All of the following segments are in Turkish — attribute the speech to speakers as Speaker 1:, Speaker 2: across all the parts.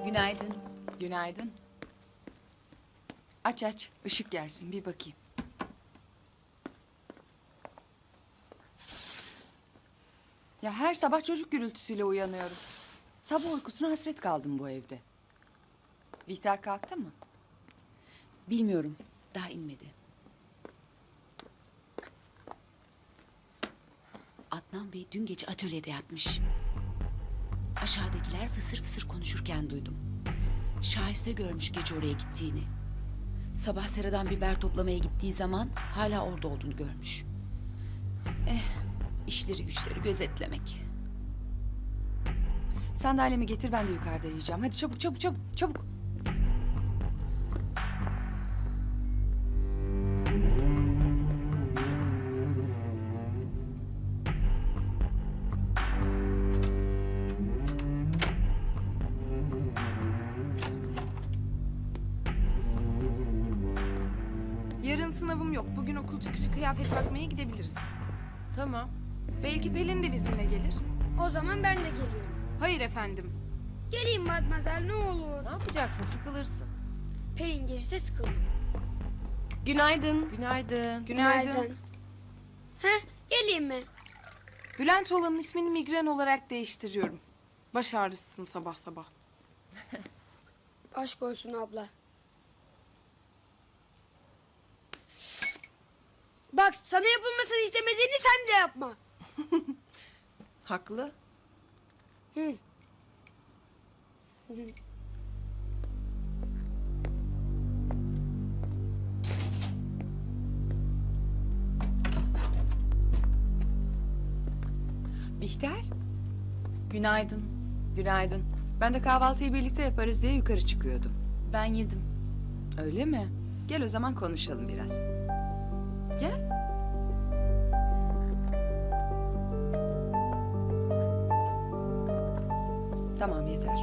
Speaker 1: Günaydın.
Speaker 2: Günaydın. Aç aç, ışık gelsin bir bakayım. Ya her sabah çocuk gürültüsüyle uyanıyorum. Sabah uykusuna hasret kaldım bu evde. Bihter kalktı mı?
Speaker 1: Bilmiyorum. Daha inmedi. Adnan Bey dün gece atölyede yatmış. Aşağıdakiler fısır fısır konuşurken duydum. Şahiste görmüş gece oraya gittiğini. Sabah seradan biber toplamaya gittiği zaman hala orada olduğunu görmüş. İşleri güçleri gözetlemek.
Speaker 2: Sandalyemi getir, ben de yukarıda yiyeceğim. Hadi çabuk çabuk çabuk çabuk.
Speaker 3: Yarın sınavım yok. Bugün okul çıkışı kıyafet bakmaya gidebiliriz.
Speaker 2: Tamam.
Speaker 3: Belki Pelin de bizimle gelir.
Speaker 4: O zaman ben de geliyorum.
Speaker 3: Hayır efendim.
Speaker 4: Geleyim Matmazel ne olur.
Speaker 5: Ne yapacaksın? Sıkılırsın.
Speaker 4: Pelin gelirse sıkılmam.
Speaker 5: Günaydın. Günaydın.
Speaker 3: Günaydın.
Speaker 4: Heh, geleyim mi?
Speaker 3: Bülent olanın ismini migren olarak değiştiriyorum. Baş ağrısısın sabah sabah.
Speaker 4: Aşk olsun abla. Bak sana yapılmasını istemediğini sen de yapma.
Speaker 5: Haklı.
Speaker 4: Hı.
Speaker 2: Bihter,
Speaker 6: Günaydın.
Speaker 2: günaydın. Ben de kahvaltıyı birlikte yaparız diye yukarı çıkıyordum.
Speaker 6: Ben yedim.
Speaker 2: Öyle mi? Gel o zaman konuşalım biraz. Gel. Tamam, yeter.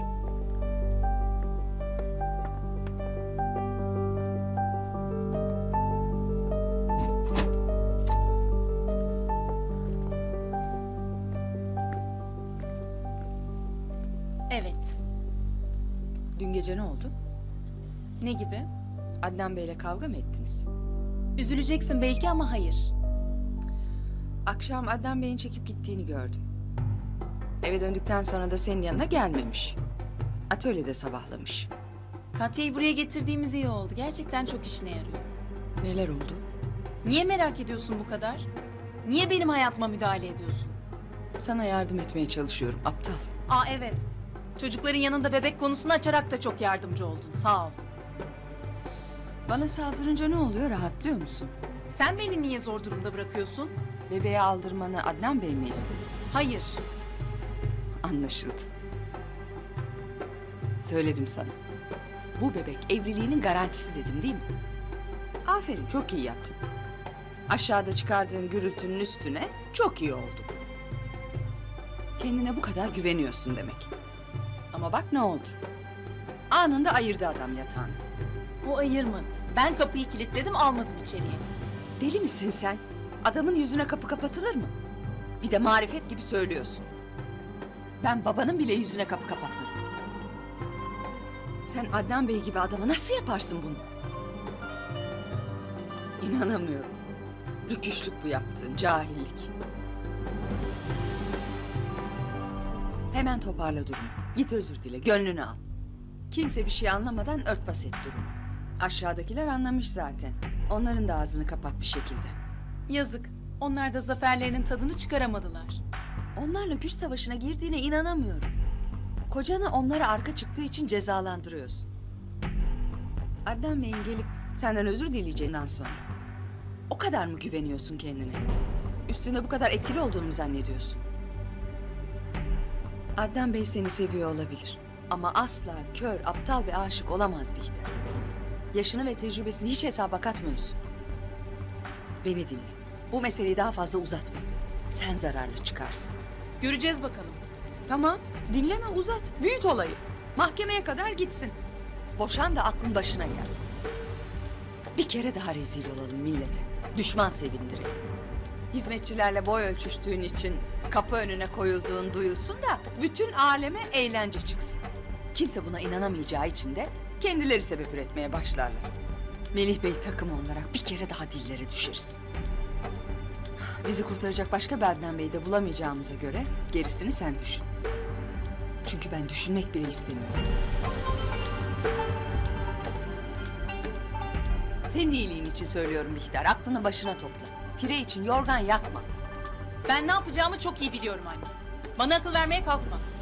Speaker 6: Evet.
Speaker 2: Dün gece ne oldu?
Speaker 6: Ne gibi?
Speaker 2: Adnan Bey'le kavga mı ettiniz?
Speaker 6: Üzüleceksin belki ama hayır.
Speaker 2: Akşam Adnan Bey'in çekip gittiğini gördüm. Eve döndükten sonra da senin yanına gelmemiş. Atölyede sabahlamış.
Speaker 6: Katya'yı buraya getirdiğimiz iyi oldu. Gerçekten çok işine yarıyor.
Speaker 2: Neler oldu?
Speaker 6: Niye merak ediyorsun bu kadar? Niye benim hayatıma müdahale ediyorsun?
Speaker 2: Sana yardım etmeye çalışıyorum, aptal.
Speaker 6: Aa evet. Çocukların yanında bebek konusunu açarak da çok yardımcı oldun. Sağ ol.
Speaker 2: Bana saldırınca ne oluyor, rahatlıyor musun?
Speaker 6: Sen beni niye zor durumda bırakıyorsun?
Speaker 2: Bebeği aldırmanı Adnan Bey mi istedi?
Speaker 6: Hayır.
Speaker 2: Anlaşıldı. Söyledim sana. Bu bebek evliliğinin garantisi dedim değil mi? Aferin, çok iyi yaptın. Aşağıda çıkardığın gürültünün üstüne çok iyi oldu. Kendine bu kadar güveniyorsun demek. Ama bak ne oldu? Anında ayırdı adam yatağını.
Speaker 6: O ayırmadı. Ben kapıyı kilitledim almadım içeriye.
Speaker 2: Deli misin sen? Adamın yüzüne kapı kapatılır mı? Bir de marifet gibi söylüyorsun. Ben babanın bile yüzüne kapı kapatmadım. Sen Adnan Bey gibi adama nasıl yaparsın bunu? İnanamıyorum. Rüküşlük bu yaptığın, cahillik. Hemen toparla durumu. Git özür dile, gönlünü al. Kimse bir şey anlamadan örtbas et durumu. Aşağıdakiler anlamış zaten. Onların da ağzını kapat bir şekilde.
Speaker 6: Yazık. Onlar da zaferlerinin tadını çıkaramadılar.
Speaker 2: Onlarla güç savaşına girdiğine inanamıyorum. Kocanı onlara arka çıktığı için cezalandırıyorsun. Adnan Bey'in gelip senden özür dileyeceğinden sonra o kadar mı güveniyorsun kendine? Üstünde bu kadar etkili olduğunu mu zannediyorsun? Adnan Bey seni seviyor olabilir. Ama asla kör, aptal ve aşık olamaz Bihter. Yaşını ve tecrübesini hiç hesaba katmıyorsun. Beni dinle. Bu meseleyi daha fazla uzatma. Sen zararlı çıkarsın.
Speaker 6: Göreceğiz bakalım.
Speaker 2: Tamam, dinleme, uzat. Büyüt olayı. Mahkemeye kadar gitsin. Boşan da aklın başına gelsin. Bir kere daha rezil olalım millete. Düşman sevindirelim. Hizmetçilerle boy ölçüştüğün için kapı önüne koyulduğun duyulsun da bütün aleme eğlence çıksın. kimse buna inanamayacağı için de kendileri sebep üretmeye başlarlar. Melih Bey takımı olarak bir kere daha dillere düşeriz. Bizi kurtaracak başka bir Adnan Bey'i de bulamayacağımıza göre gerisini sen düşün. Çünkü ben düşünmek bile istemiyorum. Senin iyiliğin için söylüyorum Bihter. Aklını başına topla. Pire için yorgan yakma.
Speaker 6: Ben ne yapacağımı çok iyi biliyorum anne. Bana akıl vermeye kalkma.